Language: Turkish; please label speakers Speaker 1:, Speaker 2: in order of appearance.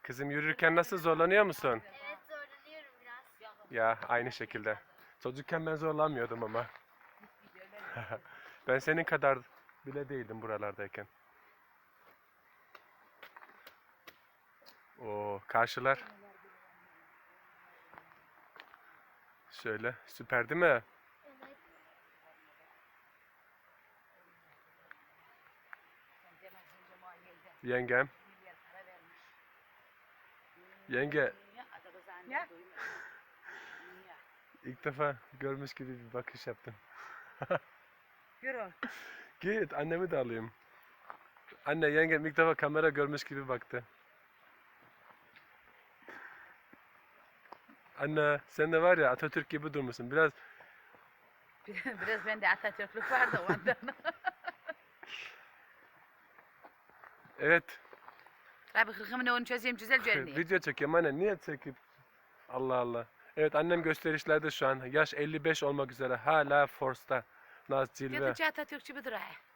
Speaker 1: Kızım yürürken nasıl zorlanıyor musun?
Speaker 2: Evet zorlanıyorum biraz.
Speaker 1: Ya aynı şekilde. Çocukken ben zorlanmıyordum ama. Ben senin kadar bile değildim buralardayken. O karşılar. Şöyle süper değil mi?
Speaker 2: Evet.
Speaker 1: Yengem. Yenge
Speaker 3: Ya.
Speaker 1: ilk defa görmüş gibi bir bakış yaptım.
Speaker 3: Yürü.
Speaker 1: Git annemi de alayım. Anne yengem ilk defa kamera görmüş gibi baktı. Anne sen de var ya Atatürk gibi durmuşsun. Biraz
Speaker 3: Biraz bende Atatürklük vardı ondan.
Speaker 1: evet
Speaker 3: Abi hırkımın onu çözeyim güzel görünüyor.
Speaker 1: video çekiyorum anne niye çekip Allah Allah. Evet annem gösterişlerde şu an yaş 55 olmak üzere hala Force'ta. Naz Cilve.
Speaker 3: Gidince Atatürkçü bir duray.